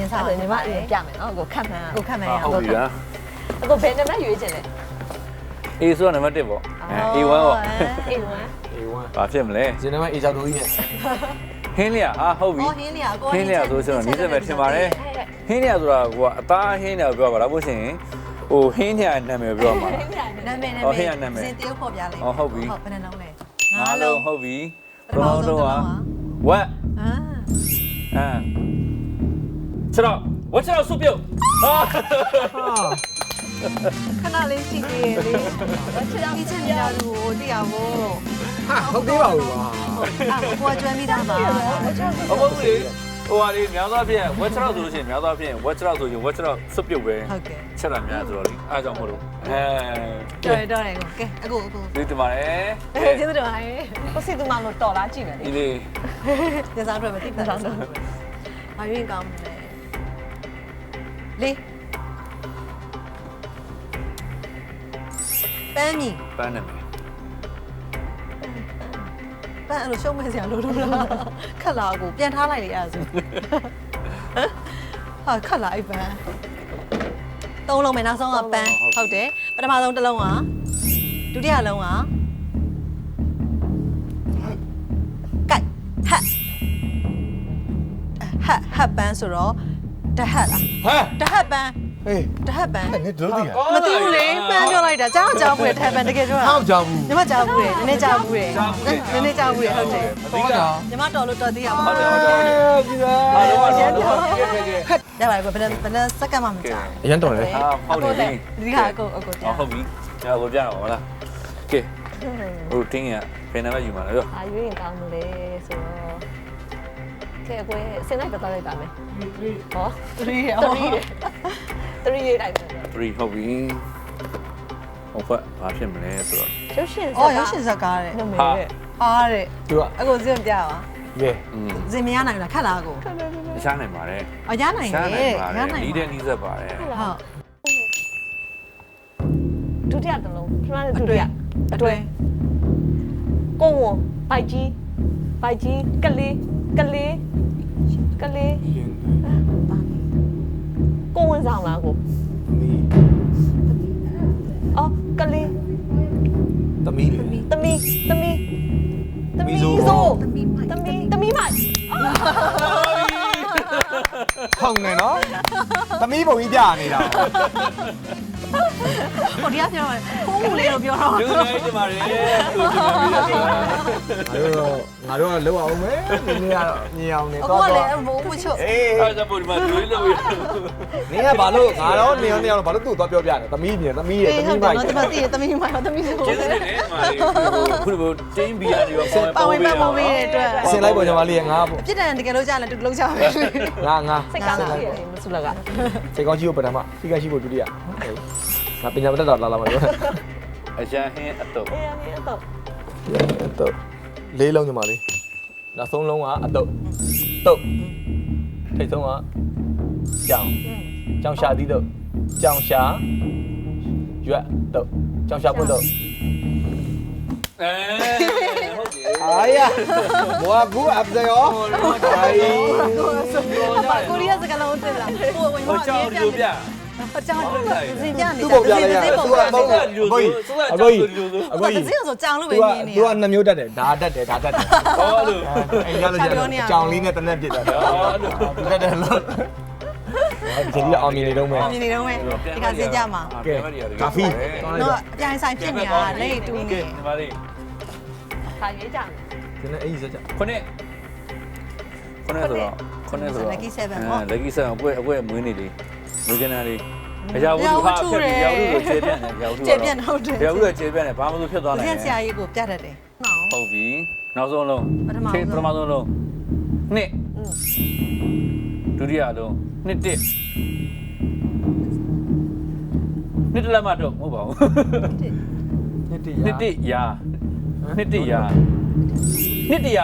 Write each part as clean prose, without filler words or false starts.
စားတယ်ညီမအရင်ပြမယ်နော်ကိုခတ်မှန်းကိုခတ်မှန်းရဟုတ်ပြီလားကိုဘယ်နံပါတ်ရွေးချင်လဲ A ဆိုတာနံပါတ်1ပေါ့A1 ပေါ့ A1 ဘာဖြစ်မလဲဇင်းနံပါတ် A ကြောက်တို့ကြီးနဲ့ဟင်းလျာဟာဟုတ်ပြီဟင်းလျာကိုဟင်းလျာဆိုတော့နီးစက်ပဲထင်ပါတယ်ဟင်းလျာဆိုတာကအသားဟင်းလျာပြောပါလားဘို့ရှင်ဟိုဟင်းလျာနာမည်ပြောမှာနာမည်စင်တရုပ်ပေါ်ပြလိုက်ဟုတ်ဘယ်နှလုံးလဲငါးလုံးဟုတ်ပြီပထမဆုံးကဝက်ခြေတော့ဝက်ခြေတော့စုပ်ပြုတ်ဟာခဏလေးရှိသေးတယ်လေချစ်အောင်ချစ်နေတာကိုတရားဖို့ဟာဟုတ်သေးပါဘူးကွာကိုကျွမ်းမိတာပါဟုတ်ပြီဟိုဟာလေးများသောဖြင့်ဝက်ခြေတော့ဆိုလို့ရှိရင်များသောဖြင့်ဝက်ခြေတော့ဆိုရင်ဝက်ခြေတော့စုပ်ပြုတ်ပဲဟုတ်ကဲ့ချက်တာများဆိုတော့လေအားကြောင့်မဟုတ်လို့တော်တယ်ကဲအခုဒီတမရဲကျေးဇူးတင်ပါတယ်ကိုစီသူမလို့တော်လားကြည့်မယ်လေဒီလေးညစားတော့မသိဘူးလားဘာရင်းကောင်းမလဲလေးပန်းမီပန်းနေမယ်ပန်းအဲ့လိုရှုံးမဲ့စရာလိုလို့လားခက်လာကိုပြန်ထားလိုက်လေအဲ့ဒါဆိုဟာခက်လာအိပ်ပန်းသုံးလုံးမယ်နောက်ဆုံးကပန်းဟုတ်တယ်ပထမဆုံးတစ်လုံးကဒုတိယလုံးကကတ်ဟတ်ပန်းဆိုတော့တဟတ်လားဟမ်တဟတ်ပန်းဟေးတဟတ်ပန်းအဲ့နင်တို့သိလားမသိဘူးလေပန်းပြောလိုက်တာကြားကြားဘူးလေတဟတ်ပန်းတကယ်ပြောတာဟောက်ကြောက်ဘူးညီမကြားဘူးလေနည်းနည်းကြားဘူးလေနည်းနည်းကြားဘူးလေဟုတ်တယ်ဟုတ်တာညီမတော်လို့တော်သေးရပါဟုတ်တယ်ဘူးဟုတ်တယ်ကြည့်ပါအားလုံးအားလုံးကဲကဲရပါတယ်ဘယ်စက္ကန့်မှမကြာအရင်တော်လေဟာဟုတ်တယ်ဒီကအကိုအကိုကြာဟုတ်ပြီဒါကိုပြတော့ဟုတ်လားကဲဟိုတင်းရဖယ်နေမှယူမှာလားပြောအာရွေးရင်ကောင်းမလဲဆိုတော့ကဲအကိုစင်လိုက်ပတ်လိုက်ပါမယ်ဟော3ရ3ရေးလိုက်မယ် 3ဟုတ်ပြီဟိုဘက်ဘာဖြစ်မလဲဆိုတော့ရုပ်ရှင်ဇာတ်အော်ရုပ်ရှင်ဇာတ်ကားတဲ့ဟာတဲ့သူကအကိုစင်ပြပါရဲစင်မရနိုင်လားခက်လားကိုရှားနိုင်ပါတယ်အော်ရနိုင်ရှားတနိုင်ယ်ပါတရယ်နိုင်နီးတဲ့နီးစက်ပါတယ်ဟုတ်ဒုတိယတစ်လုံးပထမဒုတိယအတွဲကိုဝဘိုက်ကြီးကလေးကိုဝင်ဆောင်လားကိုမီးအော်ကလေးသမီးလေသမီးမိုက်ဟောင်းနေနော်သမီးပုံကြီးပြနေတာဟိုတရားပြောတယ်ကိုလေးတော့ပြောတော့ဒီလိုလေးဒီမှာလေသူဒီမှာပြီးတော့ငါတို့ကလောက်အောင်မယ်နင်ကတော့မြင်အောင်နေအတော့ကိုကလည်းဘိုးမချွတ်အေးအားကြောင့်ဒီမှာသူလေးလို့ရနင်ကဘာလို့ငါတော့နေအောင်ဘာလို့သူ့တော့ပြောပြတယ်သမီးမြင်သမီးရဲ့သမီးမိုက်ဒီမှာတည်သမီးမိုက်သမီးဆိုကျေးဇူးတင်တယ်မာလေးခုလိုတင်းဘီယာတွေရောပါဝင်ပါမိုးပေးတဲ့အတွက်ဆင်လိုက်ပေါ်ညီမလေးငါပေါ့အပြစ်ဒဏ်တကယ်လို့ကြားရင်တူလုံးချမယ်ငါစိတ်ကောင်းကြီးမဆုလကစိတ်ကောင်းကြီးကိုပထမစိတ်ကောင်းရှိဖို့ဒုတိယငါပညာမတတ်တော့လာလာမပြောအရန်ဟင်းအတုပ်အေးအေးတော့တော့လေးလုံးညီမလေးနောက်ဆုံးလုံးကအတုပ်တုပ်ထိတ်ဆုံးကကြောင်ရှာသီးတုပ်ကြောင်ရှာရွက်တုပ်ကြောင်ရှာပွတ်တုပ်ဟုတ်တယ်အာရဘောကူအပ်စေရောအိုင်ကိုရီးယားစကားလုံးတင်လာဟိုဝင်ဟိုမှာကြောက်လို့ပြအကြောင်းစင်ပြနေသူ့ပုံပြလိုက်ရသူကမဟုတ်အကိုကြီးအကိုကြီးအကိုကြီးစင်ဆိုကြောင်လို့ပဲသူကမြင်နေသူကနှစ်မျိုးတတ်တယ်ဒါတတ်တယ်ဒါတတ်တယ်ဟောလို့အဲ့ရလို့ကြောင်လေးနဲ့တနက်ပြစ်တာတတ်တယ်လို့ဒီလိုအောင်မြင်နေတော့မယ်မြင်နေတော့မယ်ဒီကစင်ကြမှာကာဖီတော့အပြိုင်ဆိုင်ဖြစ်နေတာလက်တူနေဒီမှာလေးခါရေးကြမယ်ဒီနေ့အဲ့ဒီစကြခုနှစ်ဆိုတော့ Lucky 7 Lucky 7အကွဲမွေးနေလေးမွေးကနာလေးအရာဝတ္ထုဟာဖြတ်ပြီးရာဝတ္ထုကိုကျေပြန့်တယ်ရာဝတ္ထုကျေပြန့်ဟုတ်တယ်ရာဝတ္ထုကကျေပြန့်တယ်ဘာမှမဖြစ်သွားနိုင်စင်ဆရာကြီးကိုပြတတ်တယ်ဟုတ်ဟုတ်ပြီနောက်ဆုံးလုံးပထမဆုံးလုံးနှစ်ဒုတိယလုံးနှစ်တစ်နှစ်တလက်မတော့မဟုတ်ပါဘူးနှစ်တည်းနှစ်တစ်ရာနှစ်တစ်ရာ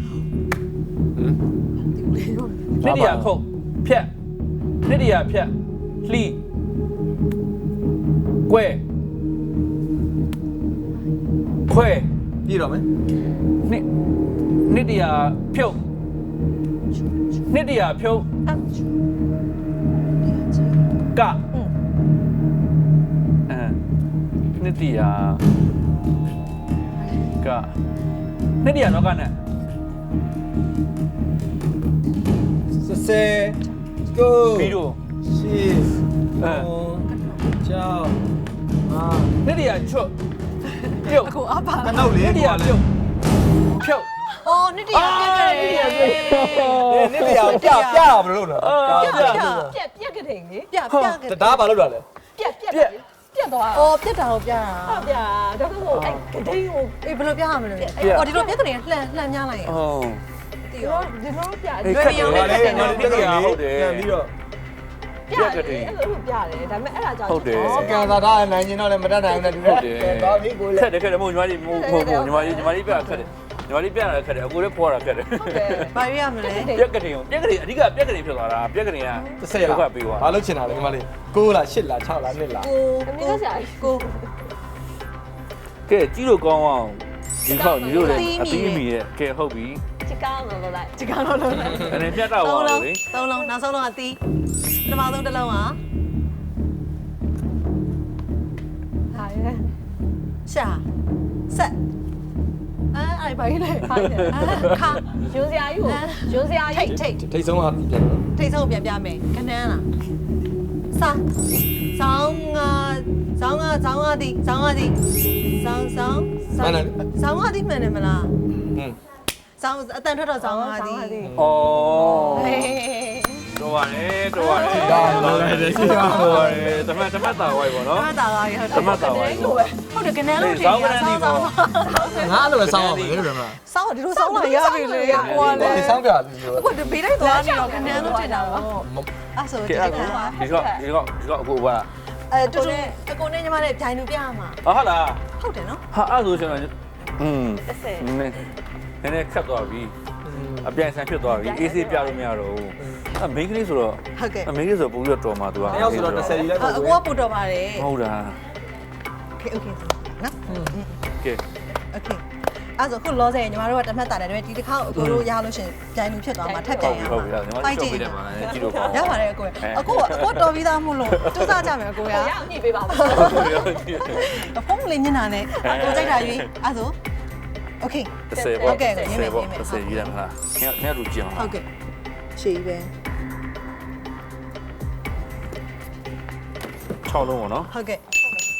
ခုတ်ဖြတ်နှစ်တစ်ရာဖြတ်လှီးကွဲခွဲပြည့်တော့မယ်နှစ်တစ်ရာဖြုတ်နှစ်တရာဖြုတ်ကနှစ်တရာကနှစ်တရာတော့ကနဲ့ဆယ်ကိုပြီးတော့ရှေ့ကြောက်အာနှစ်တရာချွတ်ပြုတ်အခုအပါကနောက်လေနှစ်တရာပြုတ်ဖြုတ်အော်နှစ်တရာပြက်ကြတယ်နေ့တရာပြဘယ်လိုလုပ်လဲပြက်ကတဲ့လေပြဒါဘာလုပ်တာလဲပြက်သွားအော်ပြက်တာကိုပြတာဟုတ်ဗျာဒါကမို့အဲ့ကတိန်ကိုအေးဘယ်လိုပြရမလဲအော်ဒီလိုပြက်ကနေလှမ်းများလိုက်ရဟုတ်တီရောဒီလိုပြအေးခက်တယ်လေနှစ်တရာဟုတ်တယ်ပြန်ပြီးတော့ပြတယ်အဲ့လိုပြတယ်ဒါပေမဲ့အဲ့ဒါကြောင့်ဟုတ်တယ်ကန်သာသားနိုင်ရင်တော့လည်းမတတ်နိုင်ဘူးနဲ့တူတယ်သွားပြီကိုလေခက်တယ်ခက်တယ်မို့ညီမလေးမို့ညီမလေးပြခက်တယ်ညီမလေးပြရတာခက်တယ်အကိုလည်းဖွာတာခက်တယ်ဟုတ်တယ်ဘာရရမလဲပြက်ကလေးအဓိကပြက်ကလေးဖြစ်သွားတာပြက်ကလေးက 30လားဘာလုပ်ချင်တာလဲဒီမလေး9လား8လား6လား1လားကိုအမေကဆရာကြီးကိုကဲကြီးလို့ကောင်းအောင်ဒီခေါက်ညီတို့လည်းအပြီးမီရဲ့ကဲဟုတ်ပြီချစ်ကောင်းလို့လိုက်ဒီကောင်တော့လုံးအနေပြတ်တော့ပါလေသုံးလုံးနောက်ဆုံးလုံးကတီးပထမဆုံးတစ်လုံးကဟာရဲရှာဆက်အဲ့ဘာကြီးလဲခါရုံးစရာကြီးကိုရုံးစရာထိကြီးတ်ထိတ်ထိတ်ဆုံးကပြန်တော့ထိတ်ဆုံးပြန်ပြမယ်ခဏန်းလားစာဆောင်းကတီးဆောင်းကတီးဆောင်းဆောင်းကတီးမှန်တယ်မလားဟင်းဆောင်းအတန်ထွက်တော့ဆောင်းကတီးဩတော့ပါလေတော့ပါလေဒါလည်းရှိတာတော့ပါလေတမတ်တာဝိုက်ပါနော်မတာပါရတမတ်တာဝိုက်ပေါ့ဟုတ်တယ်ကနန်းလို့ထင်ဆောင်းကနန်းဒီပေါ့ငါလိုပဲစောင်းအောင်ပဲလို့ပြောမှာဆောင်းဒီလိုဆောင်းလာရပြီလေဟိုကလေဒီစောင်းပြလို့ပြောအခုဘေးလိုက်သွားနေတော့ကနန်းလို့ထင်တာပါအဲ့ဆိုကဲဒီအဲ့ကဒီကောအခုပါတူတူအကိုနဲ့ညီမနဲ့ဂျိုင်လူပြရမှာဟုတ်လားဟုတ်တယ်နော်ဟာအဲ့ဆိုရှင်နည်း 30 နည်းခတ်သွားပြီအပြိုင်ဆိုင်ဖြစ်သွားပြီအေးဆေးပြလို့မရတော့ဘူးအမိန်းကလေးဆိုတော့ဟုတ်ကဲ့အမိန်းကလေးဆိုပုံပြီးတော့တော်မှာသူကတယောက်ဆိုတော့30ကြီးလိုက်အပေါ့ကိုကပို့တော့ပါတယ်ဟုတ်တာโอเคနော်ကဲโอเคအဲ့ဆိုခုလောဆယ်ညီမတို့ကတမတ်တာတယ်ဒါပေမဲ့ဒီတစ်ခါအကိုတို့ရလို့ရှင်ဂျိုင်လူဖြစ်သွားမှာထပ်ပြန်ရဟုတ်မှာပြီဟုတ်ပြီညီမတို့ပြောပြတယ်ပါကြည့်လို့ကောင်းရပါတယ်အကိုအကိုတော်ပြီးသားမို့လို့စူးစမ်းကြမယ်အကိုရရအောင်ညှိပေးပါဦးဖုန်းလေးမျက်နှာနဲ့အကိုကြိုက်တာရွေးအဲ့ဆိုโอเค 30ပေါ့30ပေါ့30ကြီးတယ်မလားခင်ဗျားတို့ကြည့်အောင်ဟုတ်ကဲ့ရှေ့ပဲ 6လုံးပေါ့နော်ဟုတ်ကဲ့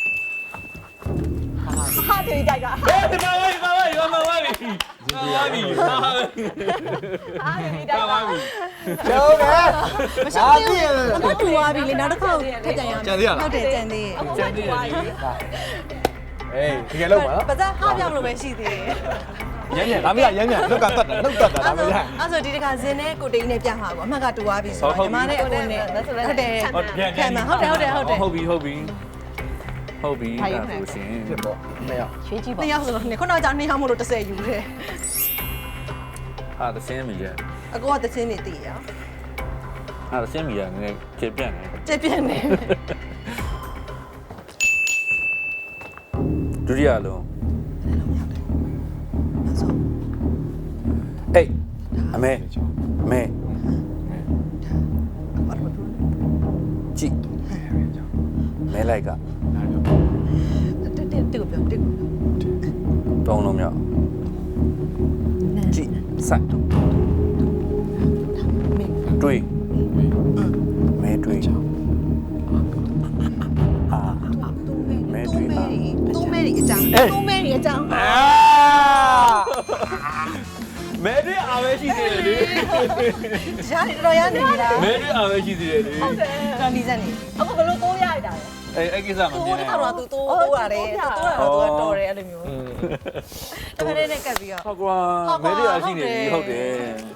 ဟာတေးကြိုက်ကဟဲ့ဒီမှာပါပါရောမပါပြီပါပြီပါပြီဟာတေးကြိုက်ကကျောင်းတယ်မရှောင်းသေးဘူးအကိုတူသွားပြီလေနောက်တစ်ခါထပ်ကြံရအောင်ကြံသေးရလားဟုတ်တယ်ကြံသေးအခုမှတူသွားပြီအေးဒီကလောက်ပါနော်ပါစားဟာပြောင်းလို့ပဲရှိသေးတယ်ရမ်းဒါမရရမ်းလောက်ကတတ်တာလောက်တတ်တာဒါမရအဲ့ဆိုဒီတစ်ခါဇင်းနဲ့ကိုတိန်နဲ့ပြမှာပေါ့အမှတ်ကတူသွားပြီဆိုတော့ညီမနဲ့အကိုနဲ့ဟုတ်တယ်ဟုတ်ပြီဟုတ်ပြီဟုတ်ပြီအဲ့ဒါဆိုရှင်ဖြစ်ပေါ့နှစ်ယောက်ရွှေကြည့်ပါနှစ်ယောက်ဆိုတော့ခုနကကြာနှစ်ယောက်မို့လို့30ယူတယ်ဟာသစင်းမီရအကိုကသချင်းနေတည်ရဟာသစင်းမီရငယ်ကျေပြန့်နေကျပြင်းနေဒုတိယလုံးအဲ့ဆိုအေးအမေကြည့်မဲလိုက်ကတူပြောတူတောင်းလုံးမြောက်ကြည့်ဆိုင်တွေးမဲတွေးအာမဲတွေးအာတူမဲရီအကြောင်းတူမဲရီအကြောင်းမဲတွေးအားပဲရှိသေးတယ်လေရားတော်ရနေပြီလားမဲတွေးအားပဲရှိသေးတယ်လေဟုတ်တယ်တော်ဒီစက်နေအခုဘယ်လိုတိုးရရတာလဲအဲ့ကိစ္စမတူမြင်တနဲ့ခါတော့သူတိုးရတယ်သူတော်တယ်အဲ့လိုမျိုးတခါနဲ့ကပ်ပြီးတော့ဟုတ်ကွာမဲတွေးအားရှိနေပြီဟုတ်တယ်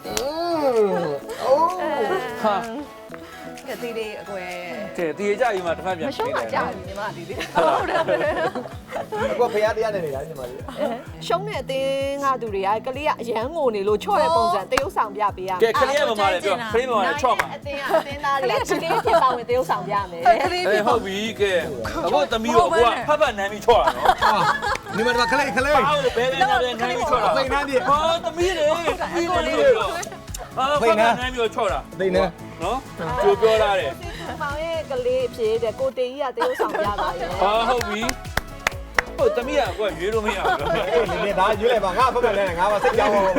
ဟာကတိလေးအကွယ်ကဲတည်ကြကြီးမှာတစ်ဖက်ပြန်မရှုံးတာကြာပြီညီမဒီလေးဟုတ်တယ်အခုဖရားတရားနေနေတာညီမလေးရှုံးတဲ့အတင်းကသူတွေကကလေးကအရန်ငိုနေလို့ချော့တဲ့ပုံစံတရုပ်ဆောင်ပြပေးရမယ်ကဲခလေးရမမလေးပြောခလေးမမလေးချော့မှာအတင်းကအတင်းသားတွေကကလေးဖြစ်ပါဝင်တရုပ်ဆောင်ပြမယ်ကလေးအေးဟုတ်ပြီကဲအခုသမီးတို့အခုကဖတ်ဖတ်နမ်းပြီးချော့တာနော်ဟာဒီမှာခလေးဘာလို့ဘဲဘဲနမ်းပြီးချော့တာသိနမ်းပြေဟောသမီးလေသမီးလေဖိတ်နေမျိုးချော့တာသိနေနော်ကြိုပြောလာတယ်မောင်ရဲ့ကလေးအဖြစ်တဲ့ကိုတေကြီးကတရုပ်ဆောင်ပြပါရဲ့ဟာဟုတ်ပြီဟုတ်သမီးကကွရွေးလို့မရဘူးဒီဒါရွေးလိုက်ပါငါဖက်ဖက်လဲငါပါစိတ်ကြောက်ပါ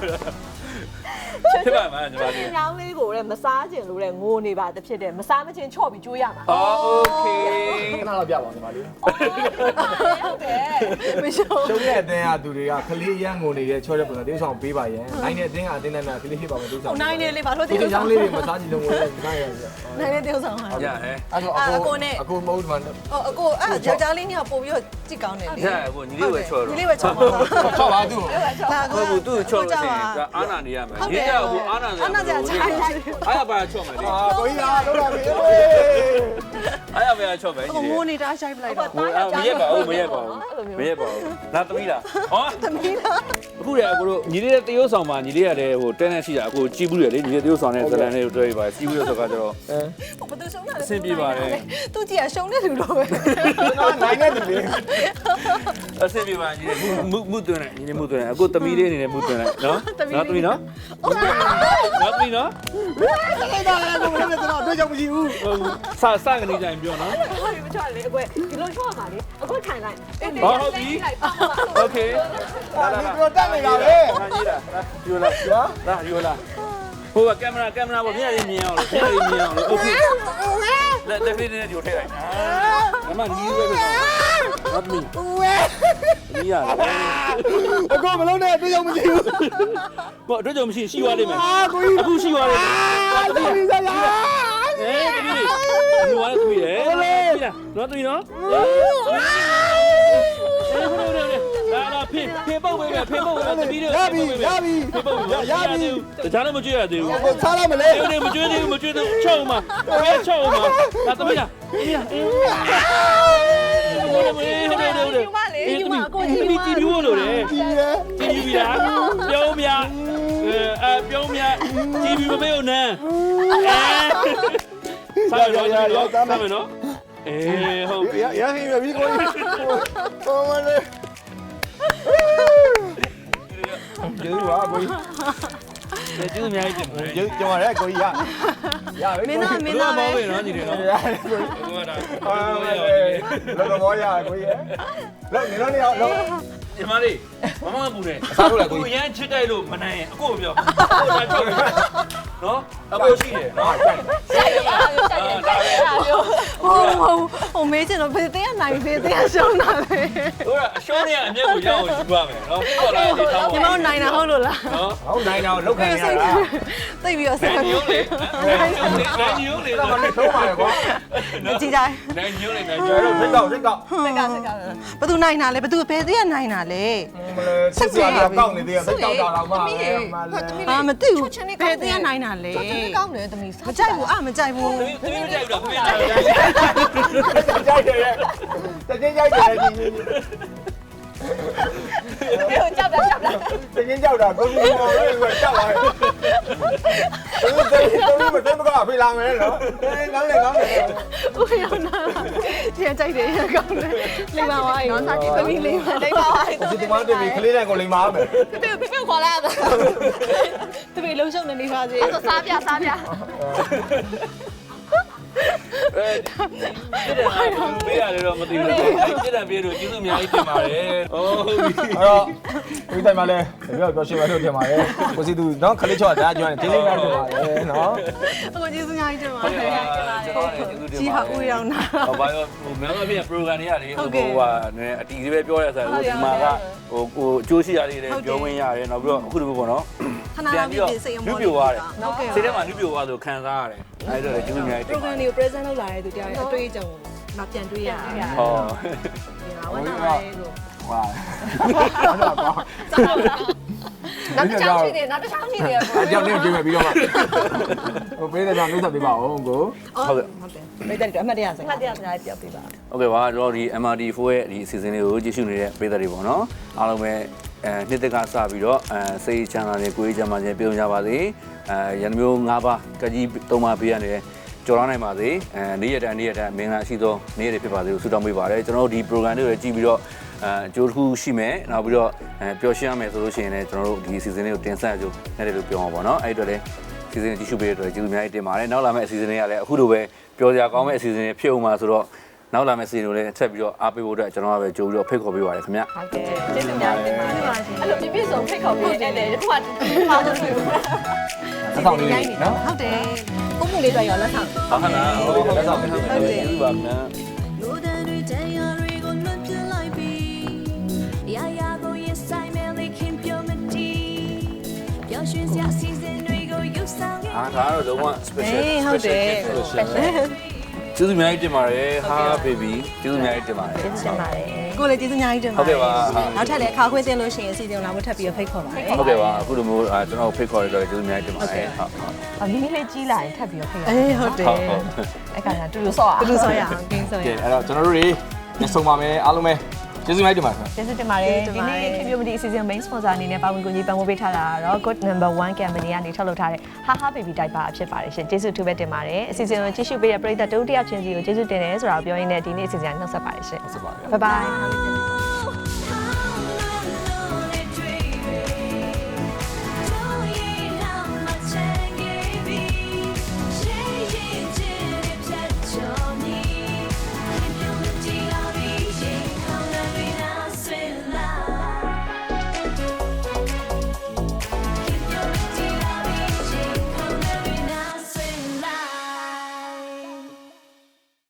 ဖြစ်ပါမှာညီမလေးညောင်းလေးကိုလည်းမစားခြင်းလို့လည်းငိုနေပါတဖြစ်တယ်မစားမချင်းချော့ပြီးကျွေးရမှာအော်โอเคခဏတော့ပြပါဦးညီမလေးဟုတ်တယ်မရှုံးရှုံးတဲ့အတင်းကသူတွေကခလေးရန်ငုံနေတဲ့ချောတဲ့ပုံစံတေးဆောင်ပေးပါရဲ့နိုင်တဲ့အတင်းကအတင်းနဲ့ခလေးဖြစ်ပါမယ်တေးဆောင်နိုင်နေလေဘာလို့ဒီတေးချောဆောင်င်းလေးတွေမစားကြည့်လို့ငွေလိုက်နိုင်ရပြနိုင်နေတေးဆောင်ဟာရဟဲ့အဲ့တော့အခုမဟုတ်မှအကိုအဲ့ယောက်ျားလေးညပို့ပြီးတော့ကြည့်ကောင်းတယ်လေရကိုညီလေးဝဲချော့ဒီတော့လေးပဲချောင်းပါချောပါသူ့ဟုတ်ဘူးသူ့ချော့လို့ရှိရင်အာနာနေရမယ်ညီကဟိုအာနာနေအားရပါချော့မယ်လေအာကိုကြီးကလောက်လာပြီအားရပါချော့မယ်အကိုငိုနေတာရှိုက်ပလိုက်တော့မရက်ပါဘူးမရက်ပါဘူးမရက်ပါဘူးလာသမီးလားဟောသမီးလားအခုလေအခုတို့ညီလေးတဲ့တရုတ်ဆောင်မှာညီလေးရတယ်ဟိုတဲနဲ့ရှိတာအခုကြည့်ဘူးလေညီလေးတရုတ်ဆောင်တဲ့ဇလန်လေးကိုတွေ့ပါစီးဘူးလို့ဆိုတော့ကျတော့ဘသူရှုံးတာလဲအဆင်ပြေပါတယ်သူကြည့်ရရှုံးတဲ့လူတော့ပဲနော်နိုင်နေတယ်လေအဆင်ပြေပါညီလေးမှုသွင်းလိုက်ညီလေးမှုသွင်းလိုက်အခုသမီးလေးအနေနဲ့မှုသွင်းလိုက်နော်နော်သမီးနော်နော်သမီးနော်အဲ့ဒါလည်းကိုမလို့တော့တွေ့ကြမရှိဘူးစကနေကြရင်ပြောနော်ဟုတ်ပြီမချော့လေအကွယ်ဒီလိုချော့ပါလေအကွယ်ထိုင်လိုက်โอเคဒါလည်းပြောတတ်နေတာပဲဟာကြီးလားယူလာလာယူလာဟိုကကင်မရာပေါ်မျက်ရည်မြင်အောင်လို့မျက်ရည်မြင်အောင်လို့โอเคလက်ဖေးနဲ့ဒီကိုထည့်လိုက်အမနီးပဲပဲဟုတ်ပြီနီးရလားအခုမလုံးနဲ့တွေ့ကြမရှိဘူးကိုအတွေ့အကြုံမရှိရှိသွားလိမ့်မယ်ကိုကြီးအခုရှိသွားလိမ့်မယ်တမီးစားရတမီးလေးဒီဝါသမီးလေနော်သမီးနော်လာဖေပုတ်ပဲဖေပုတ်ပဲသမီးလေးရပြီရပြီဖေပုတ်ရပြီတခြားလည်းမကြွရသေးဘူးကိုစားလိုက်မလဲအေးမကြွသေးဘူးမကြွသေးဘူးချောက်မှာဘယ်ချောက်မှာလာသမီးလားအေးအေးဒီမီတီမျိုးလို့လေဒီရဲတီးပြီလားပြုံးမြပြုံးမြတီးပြီမမေ့ဦးနန်းစားရစားမယ်နော်အေးဟုတ်ပြီရဟင်းရပြီကိုကြီးဟောမလေးကျေးဇူးပါကိုကြီးကျေးဇူးအများကြီးတင်ပါတယ်ကျေးဇူးကျွန်တော်လည်းကိုကြီးရပြီမင်းသားဘယ်လိုမောင်းပဲနော်ညီလေးနော်ရတယ်ကိုကြီးဘယ်လိုဒါလောကမောရကိုကြီးလောက်နေလို့နေအောင်လောက်ညီမလေးမမပူနေစားလို့လားကိုကိုကြီးရမ်းချစ်တိုက်လို့မနိုင်ရင်အကိုပြောဟိုဒါချောက်ပြီနော်အကိုရှိတယ်နော်ဆိုင်ရပါဘူးဆိုင်ရပါဘူးဟိုမေးချင်တော့ဖေးသေးရနိုင်ဖေးသေးရရှုံးတာပဲဟိုကအရှုံးနေကအမျက်ကိုရအောင်ယူပါမယ်နော်ပြီးတော့လည်းဒီထားညီမတို့နိုင်တာဟုတ်လို့လားနော်ဟုတ်နိုင်တော့လောက်ခံရတာသိပြီးတော့ဆက်နိုင်ညိုးလေနိုင်ညိုးလေနိုင်ညိုးလေတော့မနဲ့သုံးပါလေကွာကြည့်ကြနိုင်ညိုးလေနိုင်ကျွညိုးန်လေတော်စိတ်ကောက်စက်ကစက်ကဘသူနိုင်တာလဲဘသူဖေးသေးရနိုင်တာလဲမလဲစစ်စရာကောက်နေသေးတယ်စိတ်ကောက်တာတော့မှအာမသိဘူးဖေးသေးရနိုင်တာလဲကောင်းတယ်သမီးမကြိုက်ဘူးမကြိုက်ဘူးသမီးမကြိုက်ဘူးလားသမီးကြိုက်ကြိုက်တယ်တကယ်ကြိုက်တယ်ဒီပြောကြောက်တာကြောက်တာတကယ်ကြောက်တာကိုကြီးမော်လေးကကြောက်ပါရဲ့တော်မတော်မကဖေးလာမယ်နော်ငောင်းလေငောင်းလေဦးရောနာကျန်ကြိုက်တယ်ရကောင်းတယ်လိမ္မာပါနော်စာကြည့်သမီးလေးပါလိမ့်ပါပါဒီတမန်တွေခလေးတဲ့ကိုလိမ္မာမယ်ဖေဖေဖေခေါ်လာတာသမီးလုံးရှုံနေနေပါစေအဲ့တော့စားပြစားပြပေးရတယ်တော့မသိဘူးပြည့်တယ်ပြေလို့ကျေးဇူးအများကြီးတင်ပါတယ်ဟုတ်ပြီအဲ့တော့ဒီတိုင်းမှာလဲပြောရှင်းပါလို့တင်ပါတယ်ကိုစီသူနော်ခလေးချော့ဒါကျွမ်းတယ်တင်းလေးများတင်ပါတယ်နော်အခုကျေးဇူးများကြီးတင်ပါဟုတ်တကဲ့ယ်ကျွန်တော်လည်းကျေးဇူးတင်ကြီးပါဟာဦးရောနာဟောဘာရောဟိုမြန်မပြ program တွေရတယ်ဟိုဟာနည်းအတီးလေးပဲပြောရတဲ့ဆိုဒီမှာကဟိုအကျိုးရှိရလေးတွေပြောဝင်ရတယ်နောက်ပြီးတော့အခုတခုပေါ့နော်ခဏလောက်ပြင်စိတ်အမောပြိုသွားတယ်ဟုတ်ကဲ့စိတ်ထဲမှာနှူးပြိုသွားဆိုခံစားရတယ်အဲ့ဒါလည်းကျေးဇူးအများကြီးတင်ပါ program တွေကို present လုပ်လာတဲ့သူတရားရဲ့အတွေ့အကြုံကိုမပြန်တွေ့ရဘူးဟောဝမ်းသာပါတယ်လို့ဟာနောက်တစ်ချောင်းရှိတယ်နောက်တစ်ချောင်းရှိတယ်အဲ့ကြောင့်နေပြင်မယ်ပြီးတော့မှဟိုပေးတဲ့ကြောင့်နှုတ်ဆက်ပေးပါဦးကိုဟုတ်တယ်မိတ်တယ်အမှတ်တရစငါကားတရားစကားပြောပြပါโอเคပါတော့ဒီ MRD4 ရဲ့ဒီအစီအစဉ်လေးကိုကြည့်ရှုနေတဲ့ပရိသတ်တွေပေါ့နော်အားလုံးပဲနှစ်သက်ကစပြီးတော့စိတ်ချမ်းသာတဲ့ကိုယ်ရေးချမ်းသာခြင်းပြုံးကြပါစေရန်မျိုး၅ပါးကကြီး၃ပါးပေးရတယ်ကြော်လာနိုင်ပါစေနေ့ရက်တိုင်းမင်္ဂလာရှိသောနေ့ရက်တွေဖြစ်ပါစေလို့ဆုတောင်းပေးပါတယ်ကျွန်တော်တို့ဒီ program တွေကိုကြည့်ပြီးတော့အကျိုးတစ်ခုရှိမယ်နောက်ပြီးတော့ပျော်ရွှင်ရမယ်ဆိုလို့ရှိရင်လည်းကျွန်တော်တို့ဒီ season လေးကိုတင်ဆက်ကြလို့နဲ့တယ်လို့ပြောမှာပေါ့နော်အဲ့အတွက်လည်း season ကြီးရှုပေးတဲ့အတွက်ကျေးဇူးအများကြီးတင်ပါတယ်နောက်လာမယ့် season လေးကလည်းအခုလိုပဲပျော်စရာကောင်းမယ့် season လေးဖြစ်အောင်ပါဆိုတော့နောက်လာမယ့် season ကိုလည်းဆက်ပြီးတော့အားပေးဖို့အတွက်ကျွန်တော်ကပဲကြိုးပြီးတော့ဖိတ်ခေါ်ပေးပါတယ်ခင်ဗျဟုတ်ကဲ့ကျေးဇူးများတင်ပါတယ်အဲ့လိုပြည့်ပြည့်စုံဖိတ်ခေါ်ပေးတဲ့ခုမှပါလို့ဆိုလို့လက်ဆောင်လေးနော်ဟုတ်တယ်ကိုမှုလေးတွေ့ရောလက်ဆောင်ဟုတ်ကဲ့လားဟုတ်ကဲ့လက်ဆောင်ပေးပါမယ်ကျေးဇူးပါခင်ဗျလိုတဲ့တွေတရားတွေကိုလွတ်ပြလိုက်ပြီးရာရာကိုရင်ဆိုင်မဲ့လေးခင်ပြောမတီးပျော်ရွှင်စရာစီစဉ်တွေကိုယူဆောင်ရအားဒါကတော့လုံးဝ special ဟုတ်တယ်ကျေးဇူးအများကြီးတင်ပါတယ်ဟာ baby ကျေးဇူးအများကြီးတင်ပါတယ်ကျေးဇူးတင်ပါတယ်ကိုလည်းကျေးဇူးအများကြီးတင်ပါဟုတ်ကဲ့ပါနောက်ထပ်လည်းအခါခွင့်တင်လို့ရှိရင်အစီအစဉ်လာဖို့ထပ်ပြီးဖိတ်ခေါ်ပါတယ်ဟုတ်ကဲ့ပါအခုလိုမျိုးကျွန်တော်ဖိတ်ခေါ်ရတော့ကျေးဇူးအများကြီးတင်ပါတယ်ဟုတ်အမီလေးကြီးလာရင်ထပ်ပြီးတော့ဖိတ်ရအေးဟုတ်တယ်ဟုတ်အဲ့ကကတူတူဆော့ရဘယ်လိုဆိုရအောင်ကင်းဆိုရကဲအဲ့တော့ကျွန်တော်တို့တွေညဆုံပါမယ်အားလုံးပဲကျေးဇူးများတင်ပါတယ်ကျေးဇူးတင်ပါတယ်ဒီနေ့ခင်ဗျမဒီအစီအစဉ် main sponsor အနေနဲ့ပါဝင်ကူညီပံ့ပိုးပေးထားတာကတော့ good number 1 company ကနေထုတ်လုပ်ထားတဲ့ haha baby diaper ဖြစ်ပါတယ်ရှင်ကျေးဇူးတူပဲတင်ပါတယ်အစီအစဉ်ကိုကြည့်ရှုပေးတဲ့ပရိသတ်တို့တယောက်ချင်းစီကိုကျေးဇူးတင်တယ်ဆိုတာကိုပြောရင်းနဲ့ဒီနေ့အစီအစဉ်ကနှုတ်ဆက်ပါတယ်ရှင်ဟုတ်ပါပြီ bye bye